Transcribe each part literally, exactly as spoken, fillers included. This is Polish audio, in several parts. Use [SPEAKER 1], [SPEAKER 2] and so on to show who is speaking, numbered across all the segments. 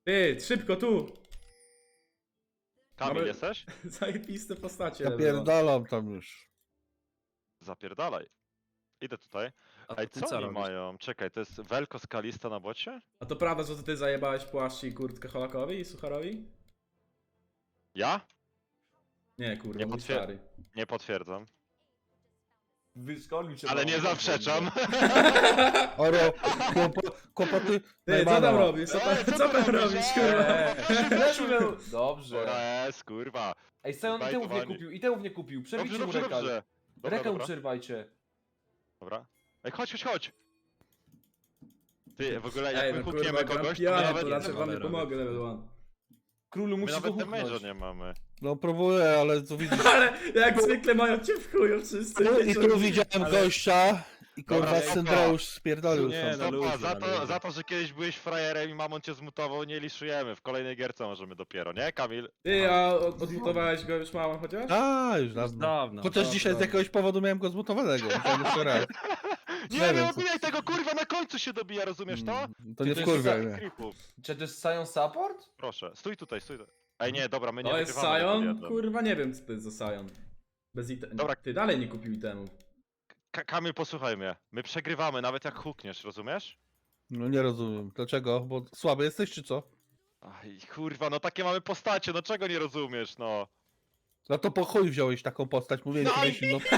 [SPEAKER 1] Ty, szybko tu!
[SPEAKER 2] Kamil,
[SPEAKER 1] Mamy-
[SPEAKER 2] jesteś?
[SPEAKER 1] Zajebiste postacie.
[SPEAKER 3] Zapierdalam tam już.
[SPEAKER 2] Zapierdalaj. Idę tutaj.
[SPEAKER 4] A
[SPEAKER 2] Ej,
[SPEAKER 4] ty
[SPEAKER 2] co
[SPEAKER 4] co
[SPEAKER 2] oni
[SPEAKER 4] robisz?
[SPEAKER 2] mają? Czekaj, to jest Welko Skalista na bocie?
[SPEAKER 1] A to prawda, że to ty zajebałeś płaszcz i kurtkę Holakowi i Sucharowi?
[SPEAKER 2] Ja?
[SPEAKER 1] Nie, kurwa,
[SPEAKER 2] Nie
[SPEAKER 1] mój
[SPEAKER 2] potwier-
[SPEAKER 1] stary.
[SPEAKER 2] Nie potwierdzam.
[SPEAKER 5] Wyszkolił się.
[SPEAKER 2] Ale
[SPEAKER 5] mało.
[SPEAKER 2] nie zaprzeczam.
[SPEAKER 3] Oro, kłopo, kłopoty
[SPEAKER 1] Ty, co
[SPEAKER 3] Najmana.
[SPEAKER 1] tam robisz? Co
[SPEAKER 2] Ej,
[SPEAKER 1] tam,
[SPEAKER 2] co
[SPEAKER 1] co
[SPEAKER 2] ty
[SPEAKER 1] tam
[SPEAKER 2] robisz?
[SPEAKER 1] robisz,
[SPEAKER 2] Ej,
[SPEAKER 1] kurwa?
[SPEAKER 5] Eee, Fleszu miał- Dobrze.
[SPEAKER 2] Dobra, jest, kurwa.
[SPEAKER 5] Ej, Sion i tełów nie
[SPEAKER 2] Bajtowani.
[SPEAKER 5] kupił, i tełów nie kupił.
[SPEAKER 2] Dobrze,
[SPEAKER 5] Przerwijcie mu
[SPEAKER 2] dobrze,
[SPEAKER 5] rekal.
[SPEAKER 2] dobrze. Dobra,
[SPEAKER 5] Rekał
[SPEAKER 2] dobra.
[SPEAKER 5] przerwajcie.
[SPEAKER 2] Dobra. Ej, chodź, chodź, chodź. Ty, w ogóle jak
[SPEAKER 1] Ej,
[SPEAKER 2] my
[SPEAKER 1] no
[SPEAKER 2] hukniemy
[SPEAKER 1] kurwa, gram
[SPEAKER 2] kogoś, to
[SPEAKER 1] pijany,
[SPEAKER 2] nawet,
[SPEAKER 1] to raczej
[SPEAKER 4] nie
[SPEAKER 1] wam nie
[SPEAKER 4] mamy
[SPEAKER 1] pomogę,
[SPEAKER 4] robić.
[SPEAKER 1] level one.
[SPEAKER 5] Królu
[SPEAKER 2] my
[SPEAKER 5] musi go
[SPEAKER 2] nawet damage'a
[SPEAKER 5] huknąć.
[SPEAKER 2] nie mamy.
[SPEAKER 3] No próbuję, ale tu widzisz.
[SPEAKER 1] Ale jak zwykle mają cię w chuju wszyscy.
[SPEAKER 3] Tu, I
[SPEAKER 1] wiecie,
[SPEAKER 3] tu
[SPEAKER 1] że-
[SPEAKER 3] widziałem
[SPEAKER 1] ale-
[SPEAKER 3] gościa i
[SPEAKER 2] Dobra,
[SPEAKER 3] kurwa
[SPEAKER 2] spoko.
[SPEAKER 3] Syndreusz spierdolił
[SPEAKER 4] Nie,
[SPEAKER 3] sam.
[SPEAKER 4] no
[SPEAKER 2] Stopa,
[SPEAKER 4] ludzie,
[SPEAKER 2] za,
[SPEAKER 4] no
[SPEAKER 2] to,
[SPEAKER 4] ludzie.
[SPEAKER 2] za to, że kiedyś byłeś frajerem i mamon cię zmutował, nie liszujemy. W kolejnej gierce możemy dopiero, nie, Kamil?
[SPEAKER 1] Ty, a od- odmutowałeś go już małą chociaż?
[SPEAKER 3] A, już dawno.
[SPEAKER 4] Dawno.
[SPEAKER 3] Chociaż
[SPEAKER 4] dawno.
[SPEAKER 3] dzisiaj z jakiegoś powodu miałem go zmutowanego. musiałem jeszcze raz.
[SPEAKER 2] Nie,
[SPEAKER 3] Nie
[SPEAKER 2] nie,
[SPEAKER 3] wiem,
[SPEAKER 2] odbijaj tego, kurwa, na końcu się dobija, rozumiesz to?
[SPEAKER 3] Mm, To nie
[SPEAKER 5] Ty to
[SPEAKER 3] wkurwiaj
[SPEAKER 5] jest
[SPEAKER 3] mnie.
[SPEAKER 2] Creepów.
[SPEAKER 5] Czy to jest Sion support?
[SPEAKER 2] Proszę, stój tutaj, stój tutaj. Ej, nie, dobra, my nie
[SPEAKER 1] To jest
[SPEAKER 2] wygrywamy tego
[SPEAKER 1] Sion?
[SPEAKER 2] wiadra.
[SPEAKER 1] Kurwa, nie wiem co to jest za Sion. Bez ite...
[SPEAKER 2] Dobra.
[SPEAKER 1] Ty dalej nie kupił itemów.
[SPEAKER 2] Ka- Kamil, posłuchaj mnie. My przegrywamy, nawet jak hukniesz, rozumiesz?
[SPEAKER 3] No nie rozumiem. Dlaczego? Bo słaby jesteś czy co?
[SPEAKER 2] Aj, kurwa, no takie mamy postacie, no czego nie rozumiesz, no?
[SPEAKER 3] No to po chuj wziąłeś taką postać, mówiłem
[SPEAKER 2] No
[SPEAKER 3] ci
[SPEAKER 2] i-
[SPEAKER 3] myśl, no.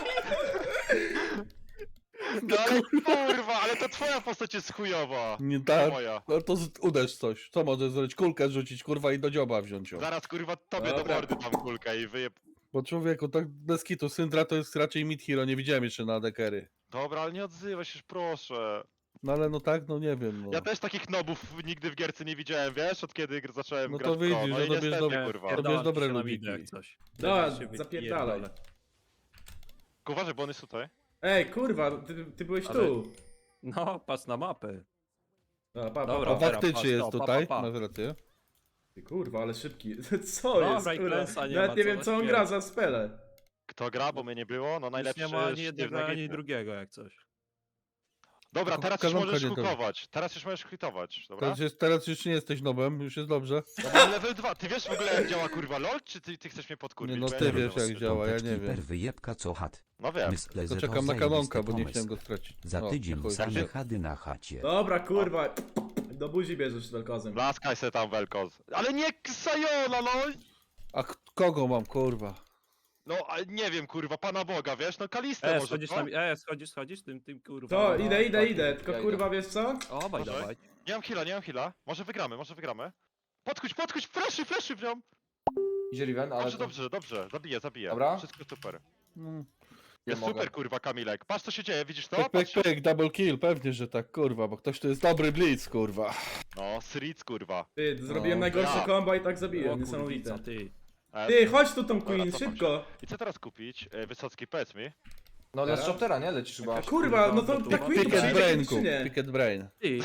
[SPEAKER 2] No ale kurwa, ale to twoja postać jest chujowa.
[SPEAKER 3] Nie
[SPEAKER 2] To
[SPEAKER 3] tak.
[SPEAKER 2] moja.
[SPEAKER 3] No to z- uderz coś. Co możesz zrobić? Kulkę rzucić, kurwa, i do dzioba wziąć ją.
[SPEAKER 2] Zaraz kurwa tobie do
[SPEAKER 1] Dobra.
[SPEAKER 2] mordy dam kulkę i wyjeb...
[SPEAKER 3] Bo człowieku, tak bez kitu, Syndra to jest raczej mid hero, nie widziałem jeszcze na dekery.
[SPEAKER 2] Dobra, ale nie odzywaj się, już proszę.
[SPEAKER 3] No ale no tak, no nie wiem, no.
[SPEAKER 2] Ja też takich nobów nigdy w gierce nie widziałem, wiesz, od kiedy gr- zacząłem
[SPEAKER 3] No to
[SPEAKER 2] grać w pro.
[SPEAKER 3] widzisz,
[SPEAKER 2] no
[SPEAKER 3] że
[SPEAKER 2] i
[SPEAKER 3] to bierz
[SPEAKER 2] niestety,
[SPEAKER 3] dobre-
[SPEAKER 2] kurwa.
[SPEAKER 3] to
[SPEAKER 4] Pierdalam
[SPEAKER 3] bierz dobre
[SPEAKER 4] się na
[SPEAKER 3] lubiki.
[SPEAKER 4] widę jak coś.
[SPEAKER 1] Dobra,
[SPEAKER 4] Teraz się
[SPEAKER 1] zapierdalaj.
[SPEAKER 4] wypierdolę.
[SPEAKER 2] Tylko uważaj, bo on jest tutaj.
[SPEAKER 1] Ej, kurwa, ty, ty byłeś
[SPEAKER 4] Ale-
[SPEAKER 1] tu.
[SPEAKER 4] No, patrz na mapę.
[SPEAKER 1] Dobra, pa, pa,
[SPEAKER 4] Dobra,
[SPEAKER 3] A
[SPEAKER 1] pa.
[SPEAKER 4] teraz
[SPEAKER 3] faktycznie
[SPEAKER 4] patrz,
[SPEAKER 3] jest
[SPEAKER 4] no, pa,
[SPEAKER 3] tutaj,
[SPEAKER 4] pa, pa.
[SPEAKER 3] masz rację.
[SPEAKER 1] Ty, kurwa, ale szybki. Co
[SPEAKER 4] Dobra,
[SPEAKER 1] jest,
[SPEAKER 4] i
[SPEAKER 1] kurwa?
[SPEAKER 4] klęsa nie
[SPEAKER 1] Nawet
[SPEAKER 4] ma,
[SPEAKER 1] nie
[SPEAKER 4] co
[SPEAKER 1] wiem co on
[SPEAKER 4] zaśpiewać.
[SPEAKER 1] gra za spele.
[SPEAKER 2] Kto gra, bo mnie nie było, no
[SPEAKER 4] Już
[SPEAKER 2] najlepszy
[SPEAKER 4] nie ma ani
[SPEAKER 2] sztywny
[SPEAKER 4] jednego, ani
[SPEAKER 2] git.
[SPEAKER 4] drugiego jak coś.
[SPEAKER 2] Dobra,
[SPEAKER 3] Tylko
[SPEAKER 2] teraz już
[SPEAKER 3] kazanka
[SPEAKER 2] możesz
[SPEAKER 3] nie to.
[SPEAKER 2] hukować. Teraz już możesz hitować, dobra?
[SPEAKER 3] Teraz, jest, teraz już nie jesteś nobem, już jest dobrze.
[SPEAKER 2] Dobra, level dwa. Ty wiesz w ogóle jak działa kurwa LOL, czy ty, ty chcesz mnie podkurwić?
[SPEAKER 3] Nie, no
[SPEAKER 2] Bo ja
[SPEAKER 3] ty
[SPEAKER 2] wiem,
[SPEAKER 3] wiesz
[SPEAKER 2] co
[SPEAKER 3] jak
[SPEAKER 2] ty-
[SPEAKER 3] działa, ja nie
[SPEAKER 6] Piąteczki
[SPEAKER 3] wiem.
[SPEAKER 6] per wyjebka co chat.
[SPEAKER 2] No wiem.
[SPEAKER 6] Myślę,
[SPEAKER 3] Tylko
[SPEAKER 6] że
[SPEAKER 3] czekam
[SPEAKER 6] to
[SPEAKER 3] na
[SPEAKER 6] zajebisty
[SPEAKER 3] kanonka, bo nie
[SPEAKER 6] pomysł.
[SPEAKER 3] chciałem go stracić.
[SPEAKER 6] Za
[SPEAKER 3] O,
[SPEAKER 6] tydzień
[SPEAKER 3] chuj,
[SPEAKER 6] same
[SPEAKER 3] także-
[SPEAKER 6] chady na chacie.
[SPEAKER 1] Dobra, kurwa. Do buzi bierzesz welkozem.
[SPEAKER 2] Blaskaj se tam Welkoz. Ale nie Ksajona, no!
[SPEAKER 3] A k- kogo mam, kurwa?
[SPEAKER 2] No, ale nie wiem, kurwa, Pana Boga, wiesz? No Kalistę
[SPEAKER 4] E,
[SPEAKER 2] może,
[SPEAKER 4] schodzisz
[SPEAKER 2] no?
[SPEAKER 4] na... E, schodzisz, schodzisz tym, tym kurwa.
[SPEAKER 1] To,
[SPEAKER 4] no.
[SPEAKER 1] idę, idę,
[SPEAKER 5] tak,
[SPEAKER 1] idę.
[SPEAKER 5] ja
[SPEAKER 1] Tylko
[SPEAKER 5] idę.
[SPEAKER 1] kurwa, wiesz co?
[SPEAKER 4] Obaj
[SPEAKER 2] Może?
[SPEAKER 4] dawaj.
[SPEAKER 2] Nie mam heala, nie mam heala. Może wygramy, może wygramy. Podkuć, podkuć, fleszy, fleszy w nią!
[SPEAKER 5] Idzie Riven, ale...
[SPEAKER 2] Dobrze,
[SPEAKER 5] to-
[SPEAKER 2] dobrze, dobrze, zabiję, zabiję.
[SPEAKER 5] Dobra.
[SPEAKER 2] Wszystko super.
[SPEAKER 3] Mm.
[SPEAKER 2] Jest
[SPEAKER 5] mogę.
[SPEAKER 2] super, kurwa, Kamilek. Patrz, co się dzieje, widzisz to?
[SPEAKER 3] Pyk, pyk,
[SPEAKER 2] Patrz.
[SPEAKER 3] pyk, double kill, pewnie, że tak, kurwa, bo ktoś tu jest dobry blitz, kurwa.
[SPEAKER 2] No, Sritz, kurwa.
[SPEAKER 1] Ty, zrobiłem
[SPEAKER 3] No,
[SPEAKER 1] najgorsze
[SPEAKER 2] ja.
[SPEAKER 1] komba i tak
[SPEAKER 4] O
[SPEAKER 1] zabiłem, niesamowite.
[SPEAKER 4] kurwica, ty.
[SPEAKER 2] E,
[SPEAKER 1] Ty, chodź tu tą
[SPEAKER 2] Dobra,
[SPEAKER 1] queen,
[SPEAKER 2] cofam
[SPEAKER 1] szybko.
[SPEAKER 2] I co teraz kupić? E, Wysocki, powiedz mi.
[SPEAKER 5] No dla
[SPEAKER 1] Teraz?
[SPEAKER 5] Choptera, nie? Lecisz chyba.
[SPEAKER 1] Kurwa, no to
[SPEAKER 4] to
[SPEAKER 1] ta
[SPEAKER 4] tu-
[SPEAKER 1] queen tu
[SPEAKER 3] Picket
[SPEAKER 1] przyjdzie
[SPEAKER 3] brain,
[SPEAKER 1] czy
[SPEAKER 3] kup,
[SPEAKER 1] nie?
[SPEAKER 3] picket brain.
[SPEAKER 4] Ty,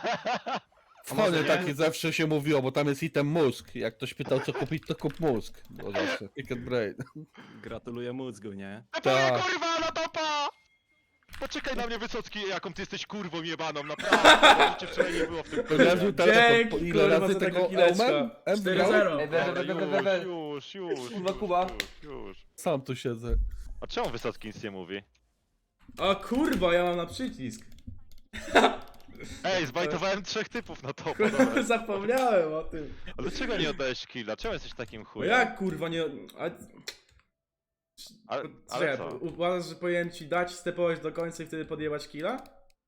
[SPEAKER 3] W chodzie
[SPEAKER 4] nie?
[SPEAKER 3] taki zawsze się mówiło, bo tam jest item mózg. Jak ktoś pytał co kupić, to kup mózg. Bo zawsze, picket brain.
[SPEAKER 4] gratuluję mózgu, nie?
[SPEAKER 2] Tepuję,
[SPEAKER 3] Tak.
[SPEAKER 2] kurwa, na topa! Poczekaj na mnie, Wysocki, jaką ty jesteś kurwą jebaną, naprawdę. Bo cię wczoraj nie było w tym
[SPEAKER 3] Pojawił teleport,
[SPEAKER 1] Dzięki,
[SPEAKER 3] po ile
[SPEAKER 1] kurwa,
[SPEAKER 3] razy
[SPEAKER 1] za
[SPEAKER 3] tego
[SPEAKER 1] tego kileczka.
[SPEAKER 3] Eumem? Em
[SPEAKER 1] cztery
[SPEAKER 3] grał?
[SPEAKER 1] zero.
[SPEAKER 5] Ej, we, we,
[SPEAKER 2] Dobra,
[SPEAKER 5] we, we, we, we.
[SPEAKER 2] już, już, już,
[SPEAKER 5] Kurwa,
[SPEAKER 2] już,
[SPEAKER 5] Kuba.
[SPEAKER 2] już, już.
[SPEAKER 3] Sam tu siedzę.
[SPEAKER 2] A czemu Wysocki nic nie mówi?
[SPEAKER 1] O kurwa, ja mam na przycisk.
[SPEAKER 2] Ej, zbajtowałem trzech typów na topa,
[SPEAKER 1] Kurwa,
[SPEAKER 2] dobra.
[SPEAKER 1] zapomniałem o tym.
[SPEAKER 2] A dlaczego nie oddałeś killa? Czemu jesteś takim
[SPEAKER 1] No
[SPEAKER 2] chujem?
[SPEAKER 1] jak kurwa nie... A...
[SPEAKER 2] Ale,
[SPEAKER 1] Czekaj,
[SPEAKER 2] ale co?
[SPEAKER 1] uważasz, że powinienem ci dać stepować do końca i wtedy podjebać killa?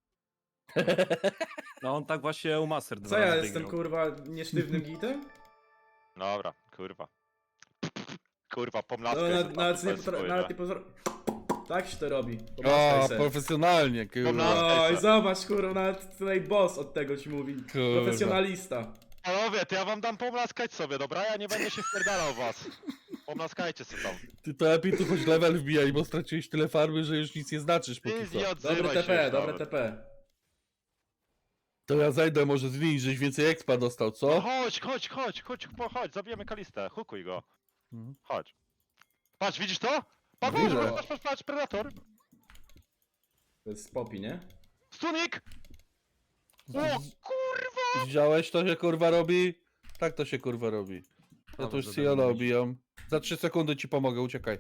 [SPEAKER 4] No on tak właśnie u Master dwa
[SPEAKER 1] Co ja
[SPEAKER 4] razy
[SPEAKER 1] jestem
[SPEAKER 4] wygrał.
[SPEAKER 1] kurwa niesztywnym gitem?
[SPEAKER 2] Dobra, kurwa. Kurwa,
[SPEAKER 1] No,
[SPEAKER 2] pomlaskaj
[SPEAKER 1] na,
[SPEAKER 2] sobie tam,
[SPEAKER 1] nawet,
[SPEAKER 2] to
[SPEAKER 1] nie,
[SPEAKER 2] jest
[SPEAKER 1] potra-
[SPEAKER 2] chuj,
[SPEAKER 1] nawet
[SPEAKER 2] że?
[SPEAKER 1] nie pozor... Tak się to robi.
[SPEAKER 3] O,
[SPEAKER 1] Popatrzaj se.
[SPEAKER 3] profesjonalnie, kurwa.
[SPEAKER 2] Pomlaskaj
[SPEAKER 1] Oj,
[SPEAKER 2] se.
[SPEAKER 1] zobacz kurwa, nawet tutaj boss od tego ci mówi.
[SPEAKER 3] Kurwa.
[SPEAKER 1] Profesjonalista.
[SPEAKER 2] Panowie, to ja wam dam pomlaskać sobie, dobra? Ja nie będę się wpierdalał w was. Pomlaskajcie sobie tam.
[SPEAKER 3] Ty to lepiej tu choć level wbijaj, bo straciłeś tyle farby, że już nic nie znaczysz póki
[SPEAKER 2] Ty
[SPEAKER 3] co.
[SPEAKER 2] nie odzywaj
[SPEAKER 1] Dobre
[SPEAKER 2] się
[SPEAKER 1] T P,
[SPEAKER 2] już
[SPEAKER 1] dobre
[SPEAKER 2] nawet.
[SPEAKER 1] T P.
[SPEAKER 3] To ja zajdę może zmienić, żeś więcej expa dostał,
[SPEAKER 2] No
[SPEAKER 3] co?
[SPEAKER 2] chodź, chodź, chodź, chodź, po- chodź, zabijemy Kalistę, hukuj go.
[SPEAKER 3] Mhm.
[SPEAKER 2] Chodź. Patrz, widzisz to? Patrz,
[SPEAKER 3] Widzę.
[SPEAKER 2] patrz, patrz, patrz, patrz, Predator.
[SPEAKER 1] To jest Poppy, nie?
[SPEAKER 2] Stunik! O kurwa!
[SPEAKER 3] Widziałeś, to się kurwa robi? Tak to się kurwa robi. Ja
[SPEAKER 4] Prawo
[SPEAKER 3] tu już
[SPEAKER 4] za
[SPEAKER 3] Siona
[SPEAKER 4] darmo.
[SPEAKER 3] obijam. Za trzy sekundy ci pomogę, uciekaj.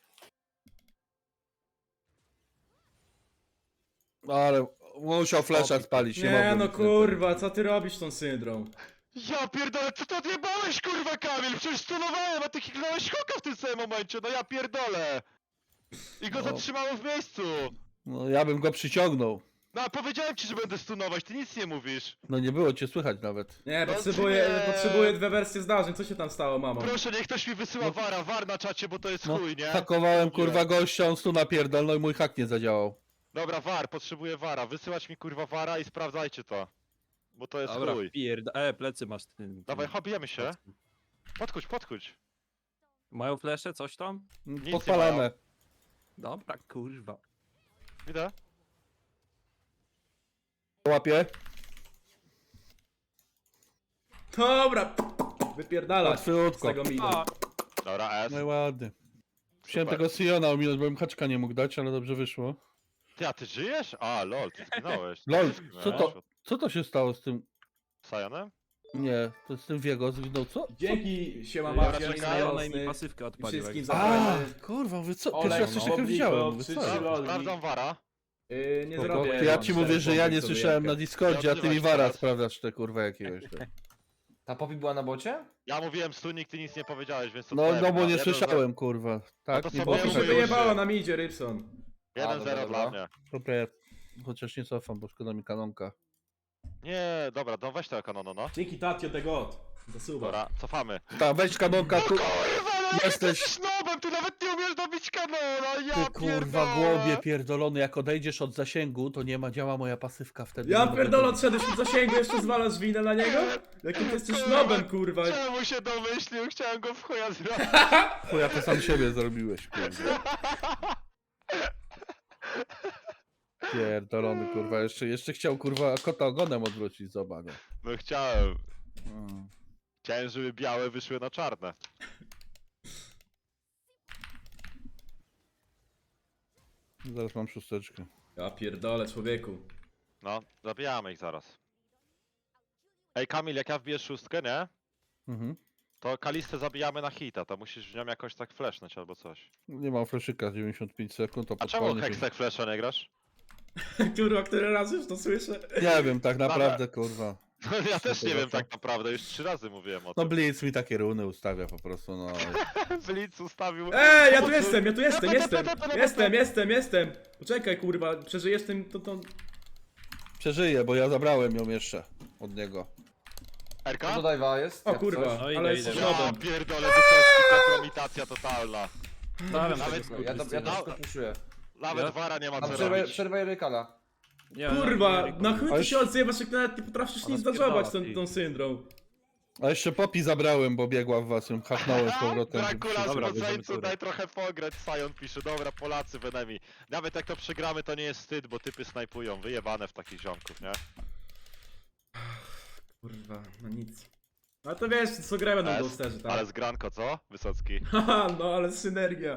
[SPEAKER 3] Ale musiał flesza spalić, nie,
[SPEAKER 1] Nie
[SPEAKER 3] mogłem
[SPEAKER 1] no
[SPEAKER 3] nic więcej.
[SPEAKER 1] kurwa, co ty robisz tą syndrom?
[SPEAKER 2] Ja pierdolę, co to odjebałeś kurwa Kamil? Przecież stunowałem, a ty kliknąłeś hoka w tym samym momencie, no ja pierdolę! I go
[SPEAKER 3] No.
[SPEAKER 2] zatrzymało w miejscu!
[SPEAKER 3] No ja bym go przyciągnął.
[SPEAKER 2] No a powiedziałem ci, że będę stunować, ty nic nie mówisz.
[SPEAKER 3] No nie było cię słychać nawet.
[SPEAKER 1] Nie,
[SPEAKER 2] No
[SPEAKER 1] potrzebuję,
[SPEAKER 2] nie.
[SPEAKER 1] potrzebuję dwie wersje zdarzeń, co się tam stało, mamo?
[SPEAKER 2] Proszę, niech ktoś mi wysyła wara, war na czacie, bo to jest
[SPEAKER 3] No,
[SPEAKER 2] chuj, nie?
[SPEAKER 3] hakowałem
[SPEAKER 2] Mówiłem.
[SPEAKER 3] kurwa gościa, on stu napierdol, no i mój hak nie zadziałał.
[SPEAKER 2] Dobra, war, potrzebuję wara, wysyłać mi kurwa wara i sprawdzajcie to. Bo to jest
[SPEAKER 4] Dobra,
[SPEAKER 2] chuj.
[SPEAKER 4] pierda... E, plecy masz tym.
[SPEAKER 2] Dawaj,
[SPEAKER 4] tym-
[SPEAKER 2] hobijemy się. Podchodź, podchodź.
[SPEAKER 4] Mają flesze, coś tam?
[SPEAKER 2] nie
[SPEAKER 3] Podpalamy.
[SPEAKER 2] mają.
[SPEAKER 4] Dobra, kurwa.
[SPEAKER 2] Widzę.
[SPEAKER 3] Łapie.
[SPEAKER 1] Dobra, wypierdalać z
[SPEAKER 3] Łatwiutko.
[SPEAKER 1] tego mida.
[SPEAKER 4] A,
[SPEAKER 2] Dobra, S.
[SPEAKER 3] No i ładnie. Chciałem
[SPEAKER 2] Super.
[SPEAKER 3] tego Siona ominąć, bo bym haczka nie mógł dać, ale dobrze wyszło.
[SPEAKER 2] Ty, a ty żyjesz? A, lol, ty zginąłeś.
[SPEAKER 3] Lol,
[SPEAKER 2] Ty
[SPEAKER 3] co
[SPEAKER 2] zginąłeś.
[SPEAKER 3] to? Co to się stało z tym?
[SPEAKER 2] Sajanem?
[SPEAKER 3] Nie, to z tym Wiego zginął, co?
[SPEAKER 1] Dzięki, siema
[SPEAKER 2] Dobra,
[SPEAKER 1] Mafia,
[SPEAKER 2] czekaj,
[SPEAKER 1] i
[SPEAKER 4] ona mi
[SPEAKER 1] znajomcy.
[SPEAKER 4] pasywkę
[SPEAKER 1] I
[SPEAKER 4] odpalił.
[SPEAKER 1] wszystkim
[SPEAKER 4] jak-
[SPEAKER 1] za-
[SPEAKER 3] A,
[SPEAKER 1] Fajny.
[SPEAKER 3] kurwa, wy co?
[SPEAKER 1] Olej,
[SPEAKER 3] Pierwszy raz coś
[SPEAKER 1] no.
[SPEAKER 3] takiego
[SPEAKER 1] Obliko,
[SPEAKER 3] widziałem. Mówię,
[SPEAKER 1] trzy,
[SPEAKER 3] co
[SPEAKER 1] trzy
[SPEAKER 3] jest?
[SPEAKER 1] lol.
[SPEAKER 2] Sprawdzam wara.
[SPEAKER 1] Yy, nie
[SPEAKER 3] To-
[SPEAKER 1] zrobię.
[SPEAKER 3] to ja
[SPEAKER 1] mam
[SPEAKER 3] ci mówię,
[SPEAKER 1] cztery
[SPEAKER 3] że ja nie
[SPEAKER 1] pompy sobie
[SPEAKER 3] słyszałem na
[SPEAKER 1] jękę.
[SPEAKER 3] Discordzie, a ty mi
[SPEAKER 2] odzywaj się
[SPEAKER 3] wara
[SPEAKER 2] teraz.
[SPEAKER 3] sprawdzasz te kurwa jakiegoś. te.
[SPEAKER 5] Ta Poppy była na bocie?
[SPEAKER 2] Ja mówiłem stunik, ty nic nie powiedziałeś, więc to
[SPEAKER 3] No,
[SPEAKER 2] twoja
[SPEAKER 3] no bo
[SPEAKER 2] wina.
[SPEAKER 3] nie
[SPEAKER 2] Jeden
[SPEAKER 3] słyszałem, kurwa. Tak,
[SPEAKER 2] to
[SPEAKER 3] nie
[SPEAKER 2] sobie
[SPEAKER 3] było
[SPEAKER 1] Bo mi się
[SPEAKER 2] mówię,
[SPEAKER 3] słyszałem.
[SPEAKER 2] że-
[SPEAKER 1] wyjebało na midzie, Rybson.
[SPEAKER 5] A,
[SPEAKER 2] jeden
[SPEAKER 5] dobra,
[SPEAKER 2] zero
[SPEAKER 5] dobra.
[SPEAKER 2] dla mnie.
[SPEAKER 3] Dobra, ja chociaż nie cofam, bo szkoda mi kanonka.
[SPEAKER 2] Nie, dobra, no weź tego kanono, no.
[SPEAKER 1] Dzięki Tatio the God. Zasuwa.
[SPEAKER 2] Dobra, cofamy.
[SPEAKER 3] Ta, weź kanonka, tu...
[SPEAKER 2] Kurwa, no
[SPEAKER 3] Jesteś-
[SPEAKER 2] jesteś snobem, ty nawet nie umiesz dobić kanona, ja
[SPEAKER 3] Ty kurwa
[SPEAKER 2] pierdolę.
[SPEAKER 3] głąbie pierdolony, jak odejdziesz od zasięgu, to nie ma, działa moja pasywka wtedy.
[SPEAKER 1] Ja
[SPEAKER 3] nie mogę
[SPEAKER 1] pierdolę,
[SPEAKER 3] dobić.
[SPEAKER 1] odszedłeś od zasięgu, jeszcze zwalasz winę na niego? Jakim ty jesteś nobem, kurwa.
[SPEAKER 2] Czemu się domyślił? Chciałem go w chuja zrobić.
[SPEAKER 3] Chuja, to sam siebie zrobiłeś, kurwa. Pierdolony, kurwa, jeszcze, jeszcze chciał, kurwa, kota ogonem odwrócić, zobacz.
[SPEAKER 2] No chciałem.
[SPEAKER 3] Mm.
[SPEAKER 2] Chciałem, żeby białe wyszły na czarne.
[SPEAKER 3] Zaraz mam szósteczkę.
[SPEAKER 1] Ja pierdolę, człowieku.
[SPEAKER 2] No, zabijamy ich zaraz. Ej Kamil, jak ja wbiję szóstkę, nie?
[SPEAKER 3] Mhm.
[SPEAKER 2] To Kalistę zabijamy na hita, to musisz w nią jakoś tak flashnąć albo coś.
[SPEAKER 3] Nie mam fleszyka, dziewięćdziesiąt pięć sekund, to
[SPEAKER 2] A czemu
[SPEAKER 3] podpalnie.
[SPEAKER 2] Hextech flasha nie grasz?
[SPEAKER 1] Kurwa, który raz już to słyszę?
[SPEAKER 3] Nie wiem, tak naprawdę, kurwa.
[SPEAKER 2] Ja też nie wiem
[SPEAKER 3] Zobaczę.
[SPEAKER 2] tak naprawdę, już trzy razy mówiłem o
[SPEAKER 3] No
[SPEAKER 2] tym.
[SPEAKER 3] Blitz mi takie runy ustawia po prostu, no.
[SPEAKER 2] Blitz ustawił...
[SPEAKER 1] Ej, ja tu jestem, ja tu jestem, jestem! Jestem, jestem, jestem! Poczekaj, kurwa, przeżyjesz tym, to, to...
[SPEAKER 3] Przeżyję, bo ja zabrałem ją jeszcze od niego.
[SPEAKER 2] Erka?
[SPEAKER 5] To do dive'a jest?
[SPEAKER 1] O
[SPEAKER 5] jak
[SPEAKER 1] kurwa,
[SPEAKER 5] coś.
[SPEAKER 4] No idę,
[SPEAKER 1] ale
[SPEAKER 4] idę.
[SPEAKER 1] jest
[SPEAKER 2] Ja
[SPEAKER 1] nobem.
[SPEAKER 2] pierdolę, Wysocki, kompromitacja totalna.
[SPEAKER 4] Stawiam
[SPEAKER 2] Nawet-
[SPEAKER 4] tego
[SPEAKER 5] Ja to, ja to
[SPEAKER 2] No.
[SPEAKER 5] wszystko puszuję.
[SPEAKER 2] Nawet
[SPEAKER 4] Ja?
[SPEAKER 2] wara nie ma
[SPEAKER 5] A
[SPEAKER 2] co
[SPEAKER 5] przerwaj,
[SPEAKER 2] robić.
[SPEAKER 5] przerwaj Rykala.
[SPEAKER 4] Nie,
[SPEAKER 1] Kurwa,
[SPEAKER 4] nie, nie,
[SPEAKER 1] na chuj
[SPEAKER 3] Ale
[SPEAKER 1] ty się odzywasz, jak nawet nie potrafisz
[SPEAKER 4] Ona
[SPEAKER 1] nic
[SPEAKER 4] spierdala,
[SPEAKER 1] zadżować tą,
[SPEAKER 4] ty.
[SPEAKER 1] tą syndrom.
[SPEAKER 3] A jeszcze Poppy zabrałem, bo biegła w was, ją haknąłem z powrotem.
[SPEAKER 2] Dracula z
[SPEAKER 4] Dobra, bierzemy
[SPEAKER 2] Moceńcu,
[SPEAKER 4] turę.
[SPEAKER 2] daj trochę pograć, Sion pisze, dobra, Polacy w enemy. Nawet jak to przegramy, to nie jest wstyd, bo typy snajpują, wyjebane w takich ziomków, nie?
[SPEAKER 1] Kurwa, no nic. A to wiesz, co grę będą
[SPEAKER 2] Es,
[SPEAKER 1] ghosterzy, tak?
[SPEAKER 2] Ale zgranko, co? Wysocki.
[SPEAKER 1] Haha, no ale synergia.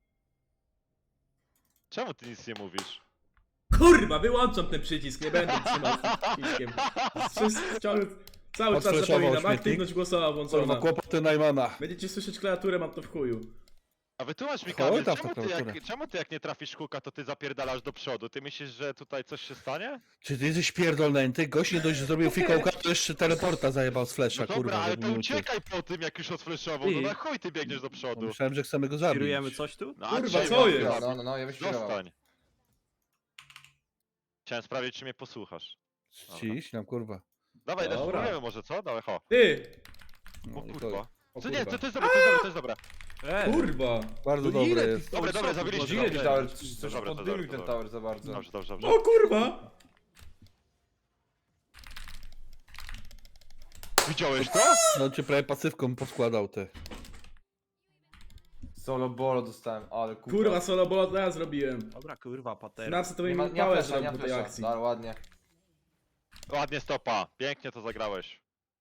[SPEAKER 2] Czemu ty nic nie mówisz?
[SPEAKER 1] Kurwa, wyłączam ten przycisk, nie będę trzymał z tym przyciskiem. Wszystko, ciągle, cały czas
[SPEAKER 3] Odflashował
[SPEAKER 1] zapominam,
[SPEAKER 3] śmietnik.
[SPEAKER 1] aktywność głosowa
[SPEAKER 3] Kurwa,
[SPEAKER 1] włączona.
[SPEAKER 3] kłopoty Najmana.
[SPEAKER 1] Będziecie słyszeć klawiaturę, mam to w chuju.
[SPEAKER 2] A wytłumacz mi,
[SPEAKER 3] Chodź
[SPEAKER 2] Kamil,
[SPEAKER 3] tam
[SPEAKER 2] czemu
[SPEAKER 3] w
[SPEAKER 2] ty,
[SPEAKER 3] prokuraturę.
[SPEAKER 2] jak, czemu ty jak nie trafisz huka, to ty zapierdalasz do przodu? Ty myślisz, że tutaj coś się stanie?
[SPEAKER 3] Czy ty jesteś pierdolnięty? Gość nie dość, że zrobił fikołka, to jeszcze teleporta zajebał z flesza,
[SPEAKER 2] No dobra,
[SPEAKER 3] kurwa.
[SPEAKER 2] ale
[SPEAKER 3] żeby
[SPEAKER 2] to
[SPEAKER 3] mi uciec.
[SPEAKER 2] uciekaj po tym, jak już odfleszował, no
[SPEAKER 4] Ty.
[SPEAKER 2] na chuj ty biegniesz do
[SPEAKER 3] No,
[SPEAKER 2] przodu.
[SPEAKER 3] myślałem, że chcemy go zabić.
[SPEAKER 4] Kierujemy coś tu?
[SPEAKER 2] No, a
[SPEAKER 1] Kurwa,
[SPEAKER 2] czemu?
[SPEAKER 1] co jest?
[SPEAKER 5] No, no, no, ja byś kierował.
[SPEAKER 2] Zostań. Chciałem sprawdzić, czy mnie posłuchasz.
[SPEAKER 3] Ciś, nam kurwa.
[SPEAKER 2] Dawaj,
[SPEAKER 1] Dobra.
[SPEAKER 2] spróbujemy może, co? Dawaj, ho.
[SPEAKER 1] Ty!
[SPEAKER 3] No,
[SPEAKER 2] O
[SPEAKER 3] i
[SPEAKER 2] kurwa.
[SPEAKER 3] to
[SPEAKER 1] O
[SPEAKER 2] Co nie,
[SPEAKER 1] kurwa.
[SPEAKER 2] to, to jest dobre, to jest dobre, to jest dobre.
[SPEAKER 4] E,
[SPEAKER 1] Kurwa!
[SPEAKER 3] bardzo
[SPEAKER 4] No
[SPEAKER 3] dobre
[SPEAKER 4] ile
[SPEAKER 3] jest.
[SPEAKER 4] ty
[SPEAKER 2] Dobre, dobre, zabiliśmy.
[SPEAKER 5] Ile
[SPEAKER 2] Dobrze,
[SPEAKER 5] tower?
[SPEAKER 2] dobrze,
[SPEAKER 5] Coś
[SPEAKER 2] dobrze,
[SPEAKER 5] poddymił
[SPEAKER 2] dobrze,
[SPEAKER 5] ten
[SPEAKER 2] dobrze.
[SPEAKER 5] tower za bardzo.
[SPEAKER 2] Dobrze, dobrze, dobrze.
[SPEAKER 1] O kurwa!
[SPEAKER 2] Widziałeś to?
[SPEAKER 3] No cię prawie pasywką poskładał ty.
[SPEAKER 5] Solo bolo dostałem, ale kurwa.
[SPEAKER 1] Kurwa, solo bola to ja zrobiłem.
[SPEAKER 4] Dobra, kurwa, pater.
[SPEAKER 1] Narcy to
[SPEAKER 5] Nie
[SPEAKER 1] mi
[SPEAKER 5] ma, nie ma
[SPEAKER 1] pałę
[SPEAKER 5] flesza, nie
[SPEAKER 1] zrobił
[SPEAKER 5] ma
[SPEAKER 1] po tej
[SPEAKER 5] flesza.
[SPEAKER 1] akcji.
[SPEAKER 5] Dobra, ładnie.
[SPEAKER 2] Ładnie stopa, pięknie to zagrałeś.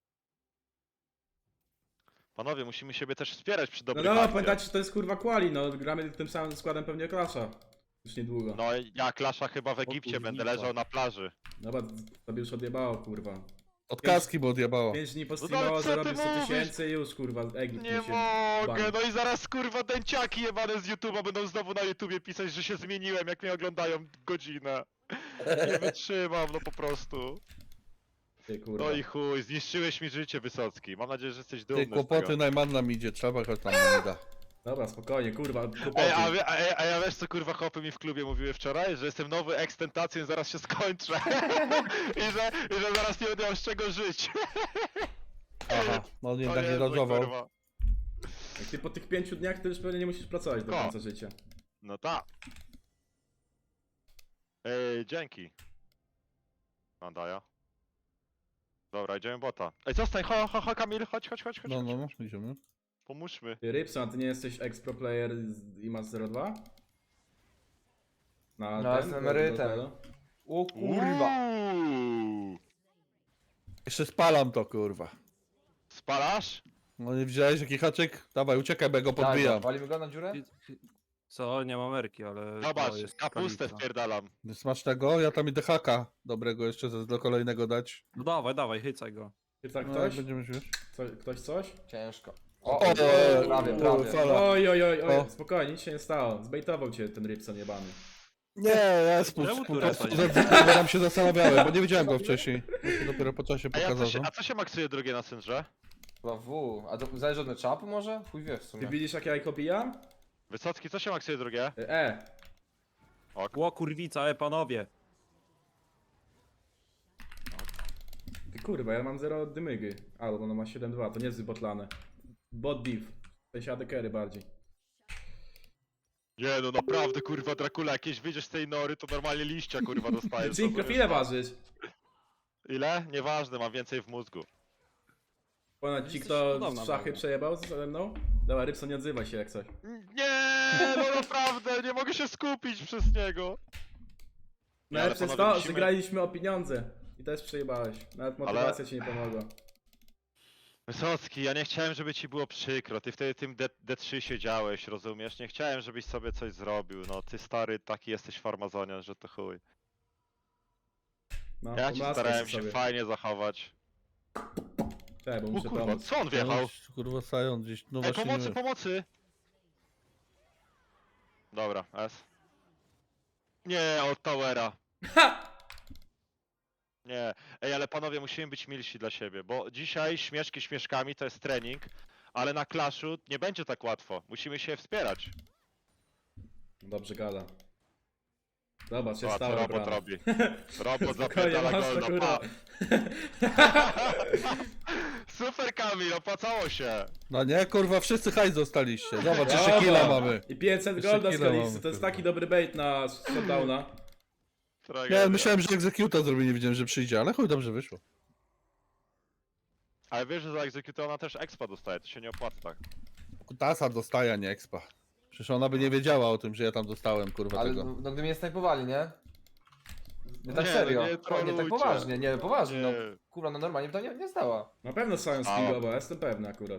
[SPEAKER 2] Panowie, musimy siebie też wspierać przy
[SPEAKER 1] No
[SPEAKER 2] dobrych
[SPEAKER 1] no,
[SPEAKER 2] akcjach.
[SPEAKER 1] pamiętajcie, że to jest kurwa quali, no gramy tym samym składem pewnie klasza. Już niedługo.
[SPEAKER 2] No ja Klasza chyba w Egipcie
[SPEAKER 4] kurwica.
[SPEAKER 2] będę leżał na plaży.
[SPEAKER 1] Dobra, tobie już odjebało, kurwa.
[SPEAKER 3] Od kaski bo odjebało.
[SPEAKER 1] Pięć dni
[SPEAKER 2] No ale
[SPEAKER 1] postreamował,
[SPEAKER 2] co ty
[SPEAKER 1] zarobił sto
[SPEAKER 2] mówisz?
[SPEAKER 1] tysięcy i już, kurwa, Egipt
[SPEAKER 2] Nie
[SPEAKER 1] musi
[SPEAKER 2] mogę,
[SPEAKER 1] banić.
[SPEAKER 2] no i zaraz kurwa dęciaki jebane z YouTube'a będą znowu na YouTubie pisać, że się zmieniłem, jak mnie oglądają godzinę. Nie wytrzymam, no po prostu.
[SPEAKER 1] Ty, kurwa.
[SPEAKER 2] No i chuj, zniszczyłeś mi życie, Wysocki. Mam nadzieję, że jesteś dumny
[SPEAKER 3] Ty
[SPEAKER 2] z
[SPEAKER 3] kłopoty
[SPEAKER 2] tego.
[SPEAKER 3] Najman nam idzie, trzeba choć tam nie da.
[SPEAKER 1] Dobra, spokojnie, kurwa,
[SPEAKER 2] Ej,
[SPEAKER 1] kłopoty.
[SPEAKER 2] a, wie- a, a ja wiesz co kurwa chłopy mi w klubie mówiły wczoraj? Że jestem nowy ekstentacją i zaraz się skończę. I, że, I że zaraz nie będę miał z czego żyć.
[SPEAKER 3] Aha, no on
[SPEAKER 2] O
[SPEAKER 3] jednak nie
[SPEAKER 2] Jezu,
[SPEAKER 3] dodżował.
[SPEAKER 2] kurwa.
[SPEAKER 1] Jak ty po tych pięciu dniach, to już pewnie nie musisz pracować do
[SPEAKER 2] Ko.
[SPEAKER 1] końca życia.
[SPEAKER 2] No tak. Ej, dzięki. Mandaja. Dobra, idziemy bota. Ej, zostań, ho, ho, ho, Kamil, chodź, chodź, chodź, chodź.
[SPEAKER 3] No,
[SPEAKER 2] chodź.
[SPEAKER 3] no, no, idziemy.
[SPEAKER 2] Pomóżmy.
[SPEAKER 1] Ty, Rybson, a ty nie jesteś ex-pro player z- i masz zero dwa? Na
[SPEAKER 5] No, jestem emerytem. O kurwa.
[SPEAKER 2] Uuu.
[SPEAKER 3] Jeszcze spalam to, kurwa.
[SPEAKER 2] Spalasz?
[SPEAKER 3] No nie widziałeś jaki haczyk? Dawaj, uciekaj, bo ja go
[SPEAKER 5] Daj,
[SPEAKER 3] podbijam.
[SPEAKER 5] go, walimy go na dziurę?
[SPEAKER 4] Co? Nie mam Ameryki, ale...
[SPEAKER 2] Zobacz,
[SPEAKER 4] to jest
[SPEAKER 2] kapustę
[SPEAKER 4] granica.
[SPEAKER 2] wpierdalam.
[SPEAKER 3] Smacznego, ja tam idę haka dobrego jeszcze ze- do kolejnego dać.
[SPEAKER 4] No dawaj, dawaj, hycaj go.
[SPEAKER 1] Czy tak
[SPEAKER 3] No,
[SPEAKER 1] ktoś?
[SPEAKER 3] jak będziemy wiesz.
[SPEAKER 1] Co, ktoś coś?
[SPEAKER 5] Ciężko.
[SPEAKER 3] O,
[SPEAKER 5] O,
[SPEAKER 3] o,
[SPEAKER 5] prawie,
[SPEAKER 3] o,
[SPEAKER 5] prawie.
[SPEAKER 3] fala.
[SPEAKER 1] Oj, oj, oj, oj,
[SPEAKER 3] O.
[SPEAKER 1] spokojnie, nic się nie stało. Zbejtował cię ten Rybson jebany.
[SPEAKER 3] Nie, ja spuść,
[SPEAKER 4] Czemu
[SPEAKER 3] po
[SPEAKER 4] tu
[SPEAKER 3] prostu
[SPEAKER 4] rasa
[SPEAKER 3] za-
[SPEAKER 4] nie?
[SPEAKER 3] tam się zastanawiałem, bo nie widziałem go wcześniej. On się dopiero po czasie
[SPEAKER 2] A, ja co
[SPEAKER 3] pokazał.
[SPEAKER 2] się,
[SPEAKER 3] no.
[SPEAKER 2] a co się maksuje drugie na syndrze?
[SPEAKER 5] Chyba W. A to zależy od czapu może? Chuj wie w
[SPEAKER 1] Ty
[SPEAKER 5] sumie.
[SPEAKER 1] widzisz jak ja ich obijam?
[SPEAKER 2] Wysocki, co się maksuje drugie?
[SPEAKER 1] E,
[SPEAKER 4] Ło kurwica, e panowie.
[SPEAKER 1] ty kurwa, ja mam zero dymygy. Albo ona ma siedem dwa, to nie jest wybotlane. Bot div. W sensie A D carry bardziej.
[SPEAKER 2] Nie no naprawdę kurwa Dracula, jakieś wyjdziesz z tej nory, to normalnie liścia kurwa dostajesz.
[SPEAKER 1] Synchro,
[SPEAKER 2] rozumiesz?
[SPEAKER 1] ile ważysz?
[SPEAKER 2] Ile? Nieważne, mam więcej w mózgu.
[SPEAKER 1] Ponad ci
[SPEAKER 4] Jesteś
[SPEAKER 1] kto
[SPEAKER 4] cudowna,
[SPEAKER 1] w szachy
[SPEAKER 4] Maria.
[SPEAKER 1] przejebał ze mną? Dobra, Rybson, nie odzywaj się jak coś.
[SPEAKER 2] Nie, no naprawdę, nie mogę się skupić przez niego.
[SPEAKER 1] No
[SPEAKER 2] ale
[SPEAKER 1] ale przez
[SPEAKER 2] panowie,
[SPEAKER 1] to
[SPEAKER 2] musimy-
[SPEAKER 1] wygraliśmy o pieniądze. I też przejebałeś. Nawet motywacja ci nie pomogła.
[SPEAKER 2] Wysocki, ja nie chciałem, żeby ci było przykro. Ty wtedy tym D- D3 siedziałeś, rozumiesz? Nie chciałem, żebyś sobie coś zrobił. No, ty stary taki jesteś farmazonian, że to chuj.
[SPEAKER 1] No,
[SPEAKER 2] Ja ci
[SPEAKER 1] pomaskaj
[SPEAKER 2] starałem się
[SPEAKER 1] sobie.
[SPEAKER 2] fajnie zachować.
[SPEAKER 1] Tak, bo
[SPEAKER 2] O
[SPEAKER 1] muszę
[SPEAKER 2] kurwa,
[SPEAKER 1] pomóc.
[SPEAKER 2] co on wjechał?
[SPEAKER 3] No, kurwa, sają gdzieś, no
[SPEAKER 2] Ej,
[SPEAKER 3] właśnie
[SPEAKER 2] pomocy,
[SPEAKER 3] nie.
[SPEAKER 2] pomocy! Dobra, S. Nie, od Towera. Nie, ej, ale panowie, musimy być milsi dla siebie, bo dzisiaj śmieszki śmieszkami to jest trening, ale na Clashu nie będzie tak łatwo. Musimy się wspierać.
[SPEAKER 1] Dobrze gada. Zobacz,
[SPEAKER 2] Co,
[SPEAKER 1] jest
[SPEAKER 2] co
[SPEAKER 1] stała
[SPEAKER 2] robot
[SPEAKER 1] brama.
[SPEAKER 2] robi? Robot
[SPEAKER 1] Spokojnie,
[SPEAKER 2] zapierdala
[SPEAKER 1] masz to,
[SPEAKER 2] golda,
[SPEAKER 1] kurwa.
[SPEAKER 2] pa. Super Kamil, opłacało się.
[SPEAKER 3] No nie, kurwa, wszyscy hajs dostaliście. Zobacz, jeszcze
[SPEAKER 1] Dobra.
[SPEAKER 3] killa mamy.
[SPEAKER 1] I pięćset
[SPEAKER 3] Jeszcze
[SPEAKER 1] golda z
[SPEAKER 3] killa
[SPEAKER 1] Kalixy,
[SPEAKER 3] mamy,
[SPEAKER 1] to jest
[SPEAKER 3] kurwa.
[SPEAKER 1] taki dobry bait na shutdowna.
[SPEAKER 2] Tragedia.
[SPEAKER 3] Nie, myślałem, że egzekuta zrobi, nie wiedziałem, że przyjdzie, ale chuj, dobrze wyszło.
[SPEAKER 2] Ale wiesz, że za Execute ona też expa dostaje, to się nie opłaca tak.
[SPEAKER 3] Kutasa dostaje, a nie expa. Przecież ona by nie wiedziała o tym, że ja tam dostałem, kurwa,
[SPEAKER 5] Ale
[SPEAKER 3] tego.
[SPEAKER 5] no, no gdy mnie snajpowali, nie? Nie tak
[SPEAKER 2] Nie,
[SPEAKER 5] serio.
[SPEAKER 2] no nie
[SPEAKER 5] O, nie tak
[SPEAKER 2] trolujcie.
[SPEAKER 5] poważnie, nie, poważnie, no.
[SPEAKER 2] Nie.
[SPEAKER 5] Kurwa, no normalnie by to nie, nie zdała.
[SPEAKER 1] Na pewno są
[SPEAKER 2] A.
[SPEAKER 1] skill, bo jestem pewny akurat.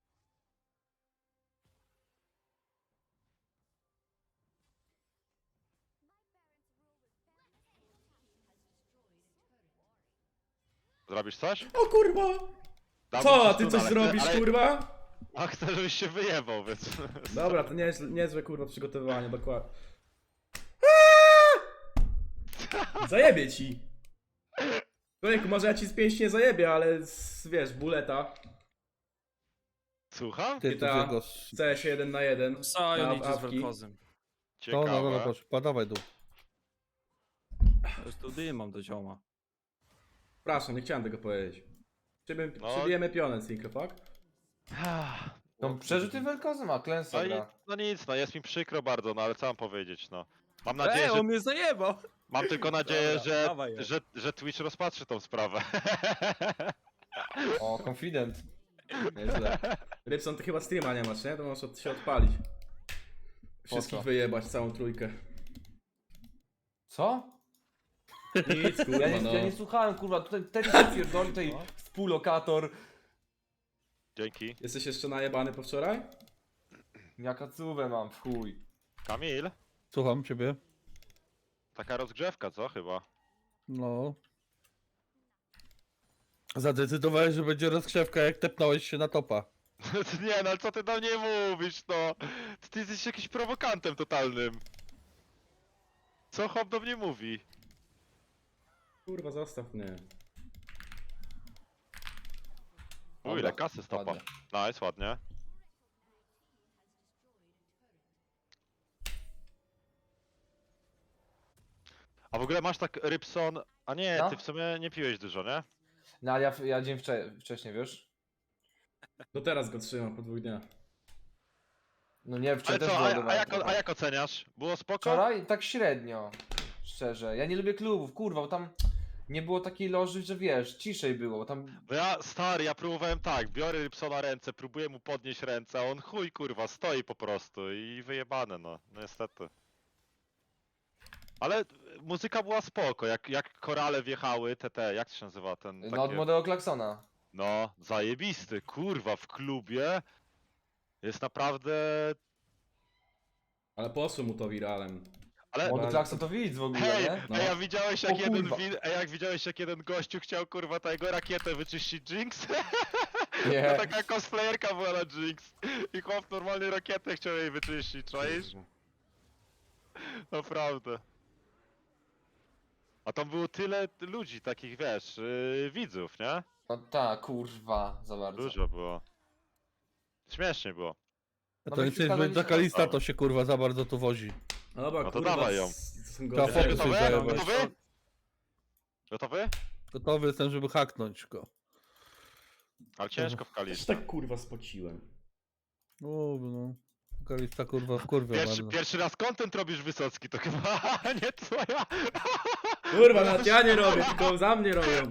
[SPEAKER 2] Zrobisz coś?
[SPEAKER 1] O kurwa!
[SPEAKER 2] Dam
[SPEAKER 1] Co,
[SPEAKER 2] ci
[SPEAKER 1] a ty
[SPEAKER 2] stun,
[SPEAKER 1] coś
[SPEAKER 2] ale
[SPEAKER 1] zrobisz,
[SPEAKER 2] chcę, ale...
[SPEAKER 1] kurwa?
[SPEAKER 2] A chcę, żebyś się wyjebał, więc...
[SPEAKER 1] Dobra, to niezłe, niezłe kurwa przygotowanie, dokładnie. Zajebie ci! Człowieku, może ja ci z pięści nie zajebię, ale z, wiesz, buleta.
[SPEAKER 2] Słucham?
[SPEAKER 3] Ty, to
[SPEAKER 1] Kita.
[SPEAKER 3] jego...
[SPEAKER 1] C S jeden na jeden.
[SPEAKER 4] Sion
[SPEAKER 1] Na
[SPEAKER 4] idzie z
[SPEAKER 1] awki.
[SPEAKER 4] Velkozem.
[SPEAKER 3] To, no, no,
[SPEAKER 2] Ciekawe.
[SPEAKER 3] proszę, padawaj dół.
[SPEAKER 4] Już tu dym mam do zioma.
[SPEAKER 1] Przepraszam, nie chciałem tego powiedzieć. Przybie,
[SPEAKER 2] No.
[SPEAKER 1] Przybijemy pionę z Synchro, fuck?
[SPEAKER 5] No przerzuty wielkozem, a klęsa
[SPEAKER 2] No, i,
[SPEAKER 5] gra.
[SPEAKER 2] no nic, no jest mi przykro bardzo, no ale co mam powiedzieć, no. Mam
[SPEAKER 4] Ej,
[SPEAKER 2] nadzieję, że...
[SPEAKER 4] on mnie zajebał!
[SPEAKER 2] Mam tylko nadzieję,
[SPEAKER 4] Dobra,
[SPEAKER 2] że,
[SPEAKER 4] dawaj je.
[SPEAKER 2] że, że Twitch rozpatrzy tą sprawę.
[SPEAKER 5] O, confident.
[SPEAKER 1] Nieźle. Rybson, ty chyba streama nie masz, nie? To możesz od, się odpalić. Wszystkich
[SPEAKER 5] co?
[SPEAKER 1] wyjebać, całą trójkę.
[SPEAKER 5] Co?
[SPEAKER 1] Nic, kurwa,
[SPEAKER 5] Ja nie,
[SPEAKER 1] no.
[SPEAKER 5] ja nie słuchałem, kurwa, tutaj ten się pierdoli, tutaj
[SPEAKER 2] No.
[SPEAKER 5] współlokator.
[SPEAKER 2] Dzięki.
[SPEAKER 1] Jesteś jeszcze najebany po wczoraj?
[SPEAKER 5] Jaka cówę mam, w chuj.
[SPEAKER 2] Kamil?
[SPEAKER 3] Słucham ciebie.
[SPEAKER 2] Taka rozgrzewka, co chyba?
[SPEAKER 3] No. Zadecydowałeś, że będzie rozgrzewka, jak tepnąłeś się na topa.
[SPEAKER 2] Nie no, ale co ty do mnie mówisz, no? Ty jesteś jakimś prowokantem totalnym. Co chłop do mnie mówi?
[SPEAKER 1] Kurwa, zostaw mnie.
[SPEAKER 2] U,
[SPEAKER 5] Dobra,
[SPEAKER 2] ile kasy stopa.
[SPEAKER 5] ładnie.
[SPEAKER 2] Nice, ładnie. A w ogóle masz tak Rybson... A nie,
[SPEAKER 5] No.
[SPEAKER 2] ty w sumie nie piłeś dużo, nie?
[SPEAKER 5] No ale ja, ja dzień wcze wcześniej, wiesz?
[SPEAKER 1] No teraz go trzymam po dwóch dniach.
[SPEAKER 5] No nie,
[SPEAKER 2] Ale
[SPEAKER 5] wczoraj też
[SPEAKER 2] co, a,
[SPEAKER 5] wyładowałem
[SPEAKER 2] a, jak,
[SPEAKER 5] trochę.
[SPEAKER 2] a jak oceniasz? Było spoko?
[SPEAKER 5] Wczoraj tak średnio, szczerze. Ja nie lubię klubów, kurwa, bo tam nie było takiej loży, że wiesz, ciszej było, bo tam...
[SPEAKER 2] No ja, stary, ja próbowałem tak, biorę Rybsona ręce, próbuję mu podnieść ręce, a on chuj kurwa, stoi po prostu i wyjebane no, no niestety. Ale muzyka była spoko, jak, jak korale wjechały, te te, jak to się nazywa ten
[SPEAKER 5] No od
[SPEAKER 2] takie...
[SPEAKER 5] młodego klaksona.
[SPEAKER 2] No, zajebisty, kurwa, w klubie jest naprawdę...
[SPEAKER 1] Ale poszło mu to wiralem.
[SPEAKER 2] Ale...
[SPEAKER 5] Młody
[SPEAKER 1] Bardzo-
[SPEAKER 5] klakson to widz w ogóle,
[SPEAKER 2] Hej,
[SPEAKER 5] nie?
[SPEAKER 1] No.
[SPEAKER 2] ej, a widziałeś jak
[SPEAKER 5] O
[SPEAKER 2] jeden
[SPEAKER 5] kurwa.
[SPEAKER 2] wi- ej, jak widziałeś jak jeden gościu chciał kurwa tego rakietę wyczyścić Jinx?
[SPEAKER 5] Nie.
[SPEAKER 2] To taka cosplayerka była na Jinx i chłop normalnie rakietę chciał jej wyczyścić, czaisz? Naprawdę. A tam było tyle ludzi, takich wiesz, yy, widzów, nie?
[SPEAKER 5] No tak, kurwa, za bardzo.
[SPEAKER 2] Dużo było. Śmiesznie było.
[SPEAKER 3] A
[SPEAKER 5] No
[SPEAKER 3] to
[SPEAKER 5] my
[SPEAKER 3] nie chcesz
[SPEAKER 5] wkładali
[SPEAKER 3] być
[SPEAKER 5] się
[SPEAKER 3] taka
[SPEAKER 5] na
[SPEAKER 3] lista, to się kurwa za bardzo tu wozi.
[SPEAKER 1] No dobra,
[SPEAKER 2] No to
[SPEAKER 1] kurwa,
[SPEAKER 2] dawaj ją.
[SPEAKER 1] s- to są
[SPEAKER 3] Trafowy
[SPEAKER 1] goście.
[SPEAKER 3] sobie
[SPEAKER 2] Gotowy?
[SPEAKER 3] zajebać.
[SPEAKER 2] Gotowy? Gotowy?
[SPEAKER 3] Gotowy jestem, żeby haknąć go.
[SPEAKER 2] Ale ciężko w
[SPEAKER 1] Też
[SPEAKER 2] Kalisto.
[SPEAKER 1] tak kurwa spociłem.
[SPEAKER 3] O, no. Kalista kurwa w kurwie
[SPEAKER 2] Pierwszy,
[SPEAKER 3] bardzo.
[SPEAKER 2] pierwszy raz content robisz Wysocki, to chyba nie twoja.
[SPEAKER 1] Kurwa, nawet ja nie robię, tylko za mnie robią.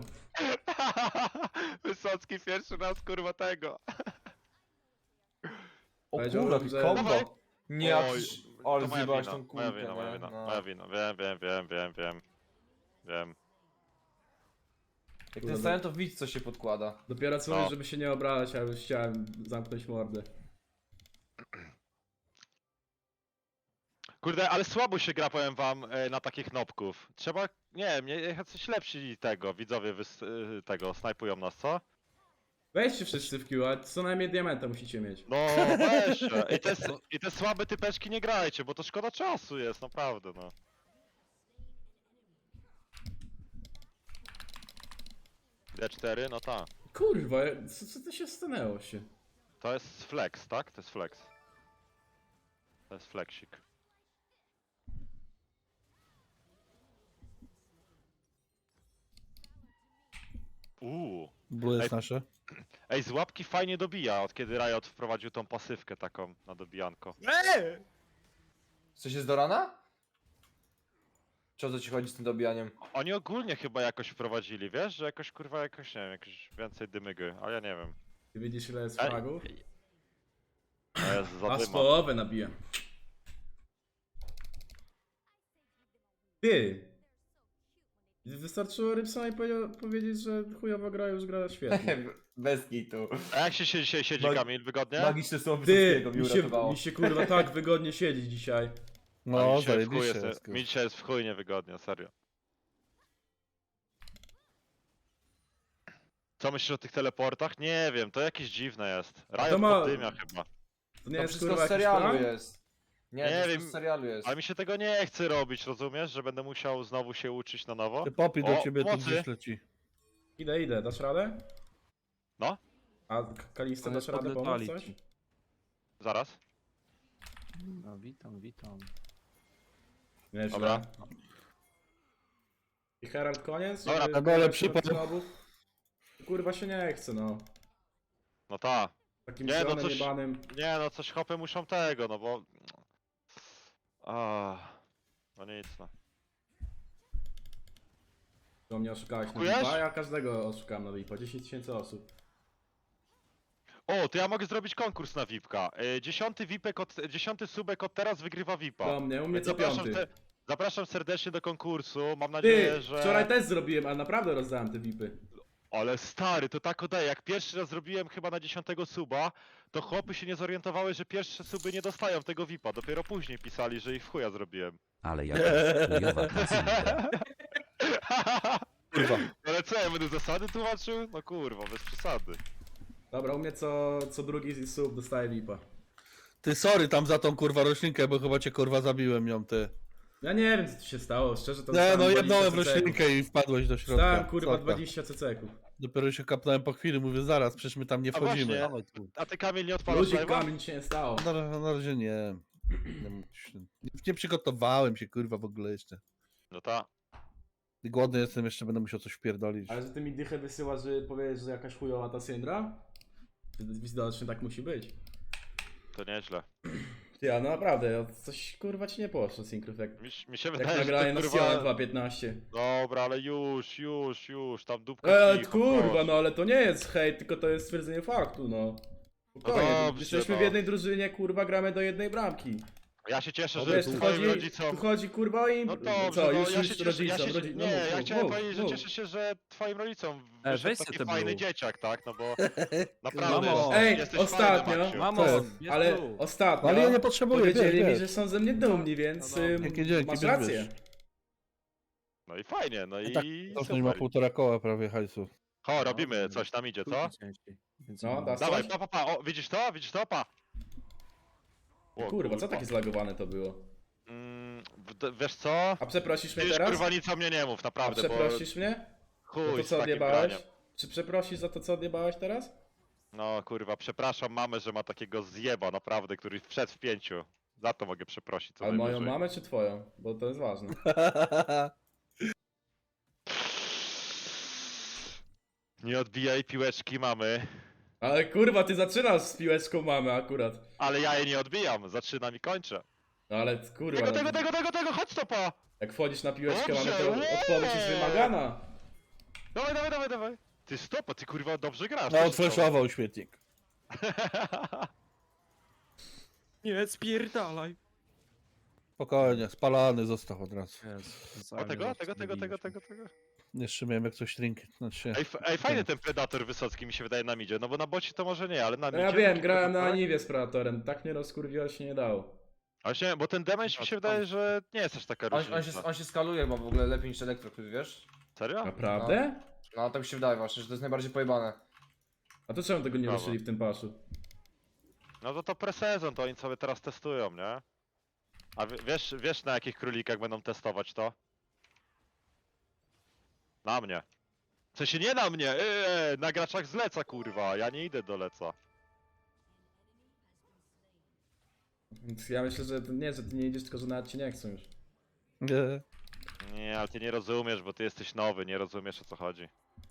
[SPEAKER 2] Wysocki pierwszy raz kurwa tego.
[SPEAKER 5] O
[SPEAKER 1] Powiedziałem,
[SPEAKER 5] kurwa,
[SPEAKER 1] że-
[SPEAKER 5] kombo.
[SPEAKER 2] Dawaj.
[SPEAKER 5] Nie, jak...
[SPEAKER 2] Oj,
[SPEAKER 5] Ale
[SPEAKER 2] to moja
[SPEAKER 5] zjebałeś
[SPEAKER 2] wina,
[SPEAKER 5] tą
[SPEAKER 2] moja
[SPEAKER 5] kulkę,
[SPEAKER 2] wina, moja
[SPEAKER 5] nie?
[SPEAKER 2] wina,
[SPEAKER 5] No.
[SPEAKER 2] moja wina, wiem, wiem, wiem, wiem, wiem, wiem. Wiem.
[SPEAKER 5] Jak ten stałem, to widz co się podkłada.
[SPEAKER 1] Dopiero co
[SPEAKER 2] No.
[SPEAKER 1] mówisz, żeby się nie obrażać, a już chciałem zamknąć mordę.
[SPEAKER 2] Kurde, ale słabo się gra, powiem wam, e, na takich nopków. Trzeba, nie wiem, nie- jacyś lepsi tego, widzowie wys, e, tego, snajpują nas, co?
[SPEAKER 1] Weźcie wszyscy w Q, a co najmniej diamenta musicie mieć.
[SPEAKER 2] No, weź. I te, s- I te słabe typeczki nie grajcie, bo to szkoda czasu jest, naprawdę, no. D cztery, no tak.
[SPEAKER 1] Kurwa, co, co to się stanęło się?
[SPEAKER 2] To jest flex, tak? To jest flex. To jest flexik. Uuu.
[SPEAKER 3] Blue jest
[SPEAKER 2] Ej.
[SPEAKER 3] nasze.
[SPEAKER 2] Ej, z łapki fajnie dobija, od kiedy Riot wprowadził tą pasywkę taką na dobijanko.
[SPEAKER 4] Eee!
[SPEAKER 5] Coś jest do rana? Czy o co ci chodzi z tym dobijaniem?
[SPEAKER 2] Oni ogólnie chyba jakoś wprowadzili, wiesz? Że jakoś kurwa jakoś, nie wiem, jakoś więcej dymygy, ale ja nie wiem.
[SPEAKER 1] Ty widzisz ile jest
[SPEAKER 2] Ej,
[SPEAKER 1] fragów?
[SPEAKER 2] To jest za
[SPEAKER 1] A z
[SPEAKER 2] dyma.
[SPEAKER 1] połowę nabiję. Ty! Wystarczyło Rybsonowi powie- powiedzieć, że chujowo gra, już gra świetnie.
[SPEAKER 5] Bez kitu.
[SPEAKER 2] A jak się siedzi, się siedzi
[SPEAKER 5] Mag-
[SPEAKER 2] Kamil, wygodnie?
[SPEAKER 5] Magiczne słowo
[SPEAKER 1] Ty!
[SPEAKER 5] Wysockiego mi
[SPEAKER 1] Mi się,
[SPEAKER 5] uratowało.
[SPEAKER 1] mi się kurwa tak wygodnie siedzi dzisiaj.
[SPEAKER 2] A
[SPEAKER 3] No,
[SPEAKER 2] mi dzisiaj w chuj
[SPEAKER 3] zajebiście
[SPEAKER 2] jest,
[SPEAKER 3] jest.
[SPEAKER 2] mi dzisiaj jest w chuj niewygodnie, serio. Co myślisz o tych teleportach? Nie wiem, to jakieś dziwne jest. Riot
[SPEAKER 1] ma-
[SPEAKER 2] poddymia chyba.
[SPEAKER 1] To nie
[SPEAKER 5] To
[SPEAKER 1] jest
[SPEAKER 5] wszystko
[SPEAKER 1] kurwa
[SPEAKER 5] z
[SPEAKER 1] jakiś
[SPEAKER 5] serialu
[SPEAKER 1] plan?
[SPEAKER 5] jest. Nie,
[SPEAKER 2] Nie
[SPEAKER 5] to
[SPEAKER 2] wiem.
[SPEAKER 5] wszystko z serialu jest.
[SPEAKER 2] Ale mi się tego nie chce robić, rozumiesz? Że będę musiał znowu się uczyć na nowo?
[SPEAKER 3] Ty popi do
[SPEAKER 2] O,
[SPEAKER 3] ciebie tu
[SPEAKER 2] mocy.
[SPEAKER 3] gdzieś leci.
[SPEAKER 1] Idę, idę, dasz radę?
[SPEAKER 2] No.
[SPEAKER 1] A K- Kalista
[SPEAKER 4] One
[SPEAKER 1] dasz radę pomóc
[SPEAKER 4] podletali
[SPEAKER 1] coś?
[SPEAKER 4] ci.
[SPEAKER 2] Zaraz.
[SPEAKER 4] No witam, witam.
[SPEAKER 1] Nieźle.
[SPEAKER 2] Dobra.
[SPEAKER 1] I Herald koniec?
[SPEAKER 2] Dobra,
[SPEAKER 1] Żeby
[SPEAKER 3] na dole
[SPEAKER 1] grać
[SPEAKER 3] przypał.
[SPEAKER 1] od snobów? Kurwa się nie chce, no.
[SPEAKER 2] No ta.
[SPEAKER 1] Takim
[SPEAKER 2] Nie, no
[SPEAKER 1] zielonym
[SPEAKER 2] coś-
[SPEAKER 1] jebanym.
[SPEAKER 2] Nie no, coś hopy muszą tego, no bo... A, no nic no.
[SPEAKER 1] To mnie oszukałeś na
[SPEAKER 2] Kupujesz?
[SPEAKER 1] Vipa, ja każdego oszukałem na Vipa. dziesięć tysięcy osób.
[SPEAKER 2] O, to ja mogę zrobić konkurs na VIPka. Y, Dziesiąty VIPek od, dziesiąty subek od teraz wygrywa VIPa.
[SPEAKER 1] Do mnie, u mnie co
[SPEAKER 2] Zapraszam,
[SPEAKER 1] piąty.
[SPEAKER 2] se- zapraszam serdecznie do konkursu, mam nadzieję,
[SPEAKER 1] Ty,
[SPEAKER 2] że...
[SPEAKER 1] wczoraj też zrobiłem, a naprawdę rozdałem te Vipy.
[SPEAKER 2] Ale stary, to tak oddaje. Jak pierwszy raz zrobiłem chyba na dziesiątego suba, to chłopy się nie zorientowały, że pierwsze suby nie dostają tego V I P-a. Dopiero później pisali, że ich w chuja zrobiłem.
[SPEAKER 6] Ale jakaś chujowa klasyka.
[SPEAKER 3] Kurwa.
[SPEAKER 2] Ale co, ja będę zasady tłumaczył? No kurwa, bez przesady.
[SPEAKER 1] Dobra, u mnie co, co drugi sub dostaje V I P-a.
[SPEAKER 3] Ty sorry tam za tą kurwa roślinkę, bo chyba cię kurwa zabiłem ją ty.
[SPEAKER 1] Ja nie wiem co tu się stało, szczerze to
[SPEAKER 3] Nie
[SPEAKER 1] dostałem
[SPEAKER 3] no
[SPEAKER 1] dwadzieścia
[SPEAKER 3] jednąłem w
[SPEAKER 1] ceceków.
[SPEAKER 3] roślinkę i wpadłeś do środka.
[SPEAKER 1] Dostałem kurwa
[SPEAKER 3] Sorka.
[SPEAKER 1] dwadzieścia ceceków.
[SPEAKER 3] Dopiero się kapnąłem po chwili, mówię zaraz, przecież my tam nie
[SPEAKER 2] A
[SPEAKER 3] wchodzimy.
[SPEAKER 2] właśnie.
[SPEAKER 4] Dawaj tu.
[SPEAKER 2] A ty Kamil nie odpalasz
[SPEAKER 1] Ludzik
[SPEAKER 2] live'a?
[SPEAKER 1] kamień się nie stało.
[SPEAKER 3] Na, na razie nie. Nie, nie przygotowałem się kurwa w ogóle jeszcze.
[SPEAKER 2] No ta.
[SPEAKER 3] I głodny jestem, jeszcze będę musiał coś wpierdolić.
[SPEAKER 1] Ale że ty mi dychę wysyłasz, że powiesz, że jakaś chujowa ta syndra? Widocznie tak musi być.
[SPEAKER 2] To nieźle.
[SPEAKER 1] Ja no naprawdę, coś kurwa ci nie poszło synkrów jak,
[SPEAKER 2] Mi, mi się
[SPEAKER 1] jak
[SPEAKER 2] wydaje,
[SPEAKER 1] nagranie
[SPEAKER 2] że
[SPEAKER 1] na
[SPEAKER 2] to
[SPEAKER 1] Sion
[SPEAKER 2] kurwa...
[SPEAKER 1] dwa piętnaście.
[SPEAKER 2] Dobra, ale już, już, już, tam dupka
[SPEAKER 1] E,
[SPEAKER 2] cicho,
[SPEAKER 1] kurwa,
[SPEAKER 2] proszę.
[SPEAKER 1] no ale to nie jest hejt, tylko to jest stwierdzenie faktu, no. Spokojnie,
[SPEAKER 2] No dobrze,
[SPEAKER 1] jesteśmy w
[SPEAKER 2] no.
[SPEAKER 1] jednej drużynie, kurwa, gramy do jednej bramki.
[SPEAKER 2] Ja się cieszę,
[SPEAKER 1] No
[SPEAKER 2] że
[SPEAKER 1] wiesz, tu
[SPEAKER 2] twoim
[SPEAKER 1] chodzi,
[SPEAKER 2] rodzicom...
[SPEAKER 1] tu chodzi kurwa o im...
[SPEAKER 2] No dobrze,
[SPEAKER 1] co,
[SPEAKER 2] no,
[SPEAKER 1] już,
[SPEAKER 2] ja
[SPEAKER 1] już
[SPEAKER 2] się cieszę,
[SPEAKER 1] rodzicom,
[SPEAKER 2] ja się,
[SPEAKER 1] rodzi...
[SPEAKER 2] nie,
[SPEAKER 1] no,
[SPEAKER 2] ja
[SPEAKER 1] mów,
[SPEAKER 2] chciałem
[SPEAKER 1] mów,
[SPEAKER 2] powiedzieć, że
[SPEAKER 1] mów.
[SPEAKER 2] cieszę się, że twoim rodzicom
[SPEAKER 4] E,
[SPEAKER 2] wyszedł
[SPEAKER 4] weź se
[SPEAKER 2] taki
[SPEAKER 4] te
[SPEAKER 2] fajny
[SPEAKER 4] blue.
[SPEAKER 2] dzieciak, tak, no bo naprawdę
[SPEAKER 4] Mamo.
[SPEAKER 2] jesteś,
[SPEAKER 1] Ej,
[SPEAKER 2] jesteś
[SPEAKER 1] ostatnio-
[SPEAKER 2] fajny, Maksiu.
[SPEAKER 4] Mamo,
[SPEAKER 3] Co?
[SPEAKER 4] jest
[SPEAKER 1] Ale
[SPEAKER 4] tu.
[SPEAKER 1] ostatnio
[SPEAKER 3] Ale ja nie potrzebuję, wiesz,
[SPEAKER 1] powiedzieli mi,
[SPEAKER 3] wiesz.
[SPEAKER 1] że są ze mnie dumni, więc
[SPEAKER 4] No dobra.
[SPEAKER 1] ym,
[SPEAKER 3] Jakie dzięki,
[SPEAKER 1] masz
[SPEAKER 3] wiesz,
[SPEAKER 1] rację.
[SPEAKER 3] wiesz.
[SPEAKER 2] No i fajnie, no i
[SPEAKER 3] Tak, To nie ma
[SPEAKER 2] super.
[SPEAKER 3] półtora koła prawie hajsu.
[SPEAKER 2] Ho, robimy coś tam idzie, co?
[SPEAKER 4] Trójki ciężkiej. Więc
[SPEAKER 1] No,
[SPEAKER 4] no,
[SPEAKER 1] dasz
[SPEAKER 2] Dawaj,
[SPEAKER 1] coś?
[SPEAKER 2] pa, pa, pa, o, widzisz to? Widzisz to? Pa! O,
[SPEAKER 1] Kurwa, co takie zlagowane to było?
[SPEAKER 2] Mm, w- wiesz co?
[SPEAKER 1] A przeprosisz mnie
[SPEAKER 2] Wiesz,
[SPEAKER 1] teraz?
[SPEAKER 2] kurwa, nic o mnie nie mów,
[SPEAKER 1] A
[SPEAKER 2] naprawdę, bo
[SPEAKER 1] przeprosisz mnie? Za
[SPEAKER 2] chuj
[SPEAKER 1] to
[SPEAKER 2] z
[SPEAKER 1] co
[SPEAKER 2] takim
[SPEAKER 1] odjebałeś?
[SPEAKER 2] graniem.
[SPEAKER 1] Czy przeprosisz za to co odjebałeś teraz?
[SPEAKER 2] No kurwa, przepraszam mamę, że ma takiego zjeba, naprawdę, który wszedł w pięciu. Za to mogę przeprosić, co
[SPEAKER 1] Ale moją
[SPEAKER 2] najwyżej.
[SPEAKER 1] mamę czy twoją? Bo to jest ważne.
[SPEAKER 2] Nie odbijaj piłeczki mamy.
[SPEAKER 1] Ale kurwa, ty zaczynasz z piłeczką mamy akurat.
[SPEAKER 2] Ale ja jej nie odbijam, zaczynam i kończę.
[SPEAKER 1] No ale kurwa,
[SPEAKER 2] Tego,
[SPEAKER 1] no,
[SPEAKER 2] tego, tego, tego, tego, chodź stopa!
[SPEAKER 1] jak wchodzisz na piłeczkę
[SPEAKER 2] Dobrze,
[SPEAKER 1] mamy, to
[SPEAKER 2] łe!
[SPEAKER 1] odpowiedź jest wymagana.
[SPEAKER 2] Dawaj, dawaj, dawaj, dawaj. Ty stopa, ty kurwa dobrze grasz.
[SPEAKER 3] No
[SPEAKER 2] co się
[SPEAKER 3] odfreszował śmietnik.
[SPEAKER 2] stało?
[SPEAKER 4] Nie, spierdalaj.
[SPEAKER 3] Spokojnie, spalany został od razu.
[SPEAKER 4] Jest,
[SPEAKER 2] O tego, tego, tego, tego, tego, tego.
[SPEAKER 3] Jeszcze miałem jak coś trinki. Znaczy,
[SPEAKER 2] Ej, f- ej, fajny ten Predator Wysocki mi się wydaje na midzie, no bo na bocie to może nie, ale na
[SPEAKER 1] No
[SPEAKER 2] midzie...
[SPEAKER 1] ja wiem,
[SPEAKER 2] taki
[SPEAKER 1] grałem na
[SPEAKER 2] Predator-
[SPEAKER 1] Aniwie z Predatorem, tak mnie rozkurwiło się nie dało.
[SPEAKER 2] Właśnie, bo ten damage mi się wydaje, że nie jest aż taka
[SPEAKER 5] On,
[SPEAKER 2] różnica.
[SPEAKER 5] on, się, on się skaluje, bo w ogóle lepiej niż Elektrokryt, wiesz?
[SPEAKER 2] Serio?
[SPEAKER 1] Naprawdę?
[SPEAKER 5] No tak mi się wydaje właśnie, że to jest najbardziej pojebane.
[SPEAKER 1] A to czemu tego nie
[SPEAKER 2] Brawo.
[SPEAKER 1] ruszyli w tym paszu?
[SPEAKER 2] No to to pre-sezon, to oni sobie teraz testują, nie? A w- wiesz, wiesz na jakich królikach będą testować to? Na mnie. W sensie nie na mnie, eee, na graczach z leca kurwa, ja nie idę do leca.
[SPEAKER 1] Więc ja myślę, że to nie, że ty nie idziesz, tylko że nawet ci nie chcą już.
[SPEAKER 3] nie.
[SPEAKER 2] Nie, ale ty nie rozumiesz, bo ty jesteś nowy, nie rozumiesz o co chodzi.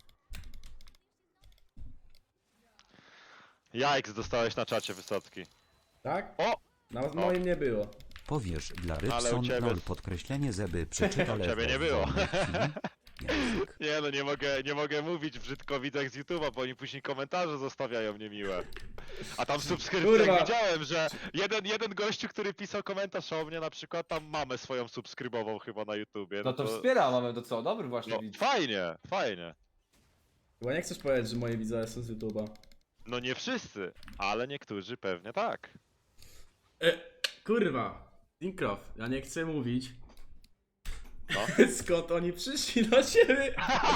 [SPEAKER 2] Jajks dostałeś na czacie Wysocki.
[SPEAKER 1] Tak?
[SPEAKER 2] O!
[SPEAKER 1] Na moim nie było.
[SPEAKER 6] Powiesz dla
[SPEAKER 2] Ale u
[SPEAKER 6] Rybson
[SPEAKER 2] ciebie-
[SPEAKER 6] lol podkreślenie, żeby przeczytał
[SPEAKER 2] U ciebie nie
[SPEAKER 6] w
[SPEAKER 2] było.
[SPEAKER 6] wolnej chwili. Język.
[SPEAKER 2] Nie no, nie mogę, nie mogę mówić brzydkowidzach z YouTube'a, bo oni później komentarze zostawiają niemiłe. A tam w subskrypcjach
[SPEAKER 1] Kurwa.
[SPEAKER 2] widziałem, że jeden, jeden gościu, który pisał komentarz o mnie, na przykład tam mamę swoją subskrybował chyba na YouTubie.
[SPEAKER 5] No to wspiera mamy, to co? Dobry właśnie
[SPEAKER 2] no,
[SPEAKER 5] widz.
[SPEAKER 2] fajnie, fajnie.
[SPEAKER 1] Chyba nie chcesz powiedzieć, że moje widzowie są z YouTube'a.
[SPEAKER 2] No nie wszyscy, ale niektórzy pewnie tak.
[SPEAKER 1] E, kurwa. Syncroft, ja nie chcę mówić.
[SPEAKER 2] No.
[SPEAKER 1] Skąd oni przyszli do siebie?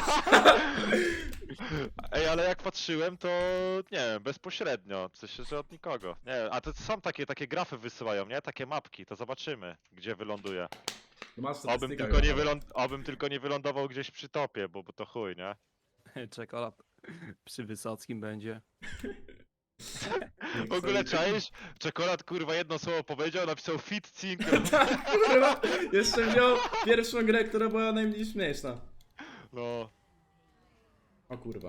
[SPEAKER 2] Ej, ale jak patrzyłem, to nie wiem, bezpośrednio, w sensie, że od nikogo. Nie wiem, a to są takie, takie grafy wysyłają, nie? Takie mapki, to zobaczymy, gdzie wyląduje.
[SPEAKER 1] No masz
[SPEAKER 2] Obym
[SPEAKER 1] statystykę
[SPEAKER 2] tylko, nie
[SPEAKER 1] chyba.
[SPEAKER 2] wyląd... Obym tylko nie wylądował gdzieś przy topie, bo, bo to chuj, nie?
[SPEAKER 4] Czekolad przy Wysockim będzie.
[SPEAKER 2] W ogóle czaisz? Czekolad kurwa jedno słowo powiedział, napisał fit cink.
[SPEAKER 1] Tak, kurwa. Jeszcze wziął pierwszą grę, która była najmniej śmieszna.
[SPEAKER 2] No.
[SPEAKER 1] O kurwa.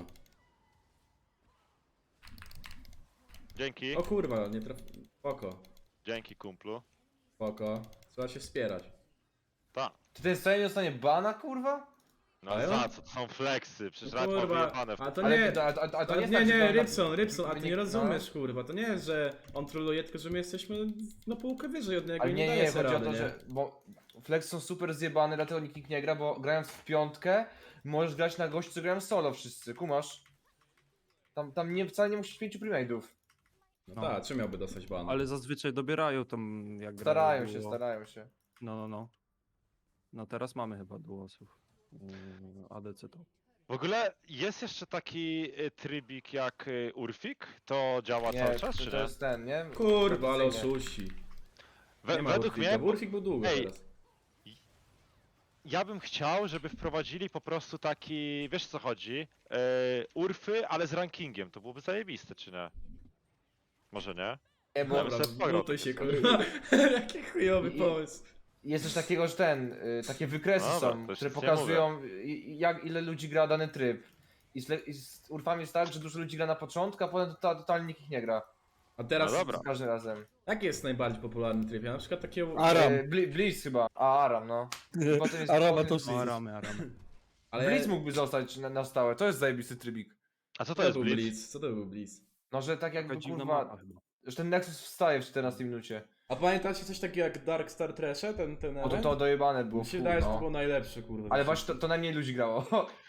[SPEAKER 2] Dzięki,
[SPEAKER 1] O kurwa, nie traf... Spoko.
[SPEAKER 2] dzięki kumplu.
[SPEAKER 1] Spoko. Trzeba się wspierać.
[SPEAKER 2] Ta.
[SPEAKER 5] Czy ten stronie dostanie bana, kurwa?
[SPEAKER 2] No
[SPEAKER 1] Ale
[SPEAKER 2] za
[SPEAKER 1] on-
[SPEAKER 2] co? To są flexy, przecież
[SPEAKER 1] No
[SPEAKER 2] raz ma
[SPEAKER 1] kurwa,
[SPEAKER 2] wyjebane w
[SPEAKER 1] a to
[SPEAKER 5] Ale,
[SPEAKER 1] nie...
[SPEAKER 5] to, a, a, a to
[SPEAKER 1] Ale
[SPEAKER 5] nie,
[SPEAKER 1] nie,
[SPEAKER 5] jest tak,
[SPEAKER 1] nie,
[SPEAKER 5] że-
[SPEAKER 1] Rybson, Rybson, a ty nie
[SPEAKER 5] no.
[SPEAKER 1] rozumiesz, kurwa, to nie jest, że on troluje, tylko że my jesteśmy na półkę wyżej od niego
[SPEAKER 5] Ale
[SPEAKER 1] i
[SPEAKER 5] nie,
[SPEAKER 1] nie,
[SPEAKER 5] nie,
[SPEAKER 1] daje
[SPEAKER 5] chodzi
[SPEAKER 1] sobie
[SPEAKER 5] o
[SPEAKER 1] rady,
[SPEAKER 5] to,
[SPEAKER 1] nie?
[SPEAKER 5] że. Bo Flex są super zjebane, dlatego nikt nie gra, bo grając w piątkę Możesz grać na gości, co grają solo wszyscy, kumasz? Tam, tam nie, wcale nie musisz pięciu premade'ów.
[SPEAKER 1] No,
[SPEAKER 4] No.
[SPEAKER 1] tak, czy miałby dostać bana?
[SPEAKER 4] Ale zazwyczaj dobierają tam jak grają
[SPEAKER 5] Starają się,
[SPEAKER 4] duo.
[SPEAKER 5] starają się.
[SPEAKER 4] No, no, no. No teraz mamy chyba duosów. Yy, A D C to.
[SPEAKER 2] W ogóle jest jeszcze taki y, trybik jak y, Urfik? To działa
[SPEAKER 5] Nie,
[SPEAKER 2] cały czas,
[SPEAKER 5] to,
[SPEAKER 2] czy
[SPEAKER 5] to
[SPEAKER 2] nie?
[SPEAKER 5] jest ten, nie?
[SPEAKER 1] Kurwa, ale
[SPEAKER 5] Tradycyjnie.
[SPEAKER 1] oszuści.
[SPEAKER 2] We,
[SPEAKER 1] Nie ma
[SPEAKER 2] według
[SPEAKER 1] Urfika,
[SPEAKER 2] mnie,
[SPEAKER 1] bo Urfik był długo
[SPEAKER 2] Ej,
[SPEAKER 1] teraz.
[SPEAKER 2] ja bym chciał, żeby wprowadzili po prostu taki, wiesz co chodzi? Y, Urfy, ale z rankingiem, to byłoby zajebiste, czy nie? Może nie?
[SPEAKER 5] Nie, bo
[SPEAKER 2] Dobra.
[SPEAKER 1] Dobra,
[SPEAKER 2] sobie pograł
[SPEAKER 1] butuj się,
[SPEAKER 2] sobie.
[SPEAKER 1] kurwa. Jaki chujowy
[SPEAKER 5] I-
[SPEAKER 1] pomysł.
[SPEAKER 5] jest coś takiego, że ten, y, takie wykresy
[SPEAKER 2] Dobra,
[SPEAKER 5] są,
[SPEAKER 2] to
[SPEAKER 5] które
[SPEAKER 2] nic nie
[SPEAKER 5] pokazują i- i jak ile ludzi gra dany tryb. I z, le- i z Urfami jest tak, że dużo ludzi gra na początku, a potem to, totalnie nikt ich nie gra.
[SPEAKER 1] A teraz,
[SPEAKER 2] No dobra.
[SPEAKER 5] Z każdym razem.
[SPEAKER 1] jaki jest najbardziej popularny tryb? Ja na przykład takiego...
[SPEAKER 3] Aram.
[SPEAKER 5] E, Bli- Blitz chyba. A, Aram, no. I potem jest-
[SPEAKER 3] Arama
[SPEAKER 5] potem
[SPEAKER 3] to
[SPEAKER 5] jest
[SPEAKER 4] No,
[SPEAKER 5] Blitz.
[SPEAKER 4] aramy, aramy.
[SPEAKER 1] Ale
[SPEAKER 5] Blitz mógłby zostać na, na stałe, to jest zajebisty trybik.
[SPEAKER 2] A co
[SPEAKER 1] co
[SPEAKER 2] to
[SPEAKER 1] to
[SPEAKER 2] jest
[SPEAKER 1] był
[SPEAKER 2] Blitz?
[SPEAKER 1] Blitz? Co to był Blitz?
[SPEAKER 5] No, że tak jakby
[SPEAKER 4] Taka dziwna
[SPEAKER 5] kurwa,
[SPEAKER 4] mapa chyba.
[SPEAKER 5] że ten Nexus wstaje w czternastej minucie.
[SPEAKER 1] A pamiętacie coś takiego jak Dark Star Trashe? Ten, ten
[SPEAKER 5] O to
[SPEAKER 1] event?
[SPEAKER 5] to dojebane było.
[SPEAKER 1] Mi się
[SPEAKER 5] w chuj,
[SPEAKER 1] wydaje, że to
[SPEAKER 5] no.
[SPEAKER 1] było najlepsze, kurwa.
[SPEAKER 5] Ale właśnie to, to najmniej ludzi grało.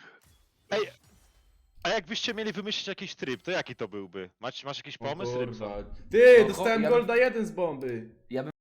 [SPEAKER 2] A jakbyście mieli wymyślić jakiś tryb, to jaki to byłby? Masz, masz jakiś
[SPEAKER 1] O
[SPEAKER 2] pomysł, Rybson?
[SPEAKER 1] kurwa. Ty,
[SPEAKER 5] No,
[SPEAKER 1] dostałem
[SPEAKER 5] ja bym-
[SPEAKER 1] Golda jeden z bomby.
[SPEAKER 5] Ja bym